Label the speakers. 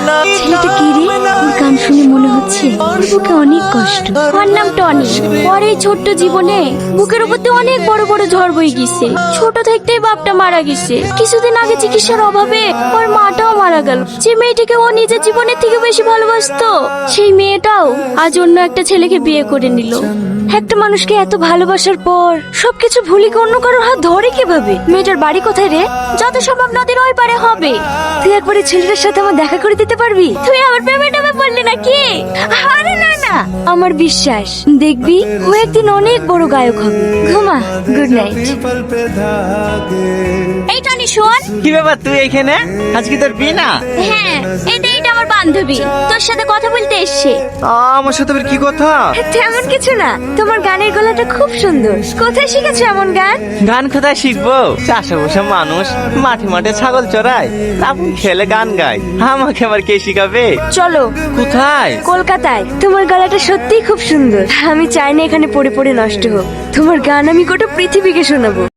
Speaker 1: ছেলেটা কি রে? ওর গান শুনে মনে হচ্ছে ওর বুকে অনেক কষ্ট। ওর নাম টনি। ওর এই ছোট্ট জীবনে বুকের উপর দিয়ে অনেক বড় বড় ঝড় বয়ে গেছে। ছোট থাকতেই বাপটা মারা গেছে। কিছুদিন আগে চিকিৎসার অভাবে ওর মাটাও মারা গেল। যে মেয়েটাকে ও নিজের জীবনের থেকে বেশি ভালোবাসতো, সেই মেয়েটাও আজ অন্য একটা ছেলেকে বিয়ে করে নিল। একটা মানুষকে এত ভালোবাসার পর সবকিছু ভুলে কি অন্য কারোর হাত ধরে কিভাবে? মেয়েটার বাড়ি কোথায় রে? যত সম্ভব নদীর ওই পারে হবে। তুই একবার এই ছেলেটার সাথে আমার দেখা করে দিতে পারবি? তুই আমার প্রেমে টেমে পড়লি নাকি? আরে না না, আমার বিশ্বাস দেখবি ও একদিন অনেক বড় গায়ক হবে। ঘুমা, গুড নাইট। এই টনি শোন।
Speaker 2: কি ব্যাপার তুই এখানে? আজকে তোর বিয়ে না?
Speaker 1: হ্যাঁ, এটা আমার বান্ধবী তোর সাথে কথা বলতে এসছে।
Speaker 2: আমার সাথে আবার কি কথা?
Speaker 1: তেমন কিছু না, তোমার গানের গলাটা খুব সুন্দর। কোথায় শিখেছো এমন গান?
Speaker 2: গান কোথায় শিখবো? চাষে বসে মানুষ মাঠে মাঠে ছাগল চড়ায়, আপনি খেলে গান গায়, আমাকে আবার কে শিখাবে?
Speaker 1: চলো।
Speaker 2: কোথায়?
Speaker 1: কলকাতায়। তোমার গলাটা সত্যিই খুব সুন্দর। আমি চাই না এখানে পড়ে পড়ে নষ্ট হোক। তোমার গান আমি গোটা পৃথিবীকে শোনাবো।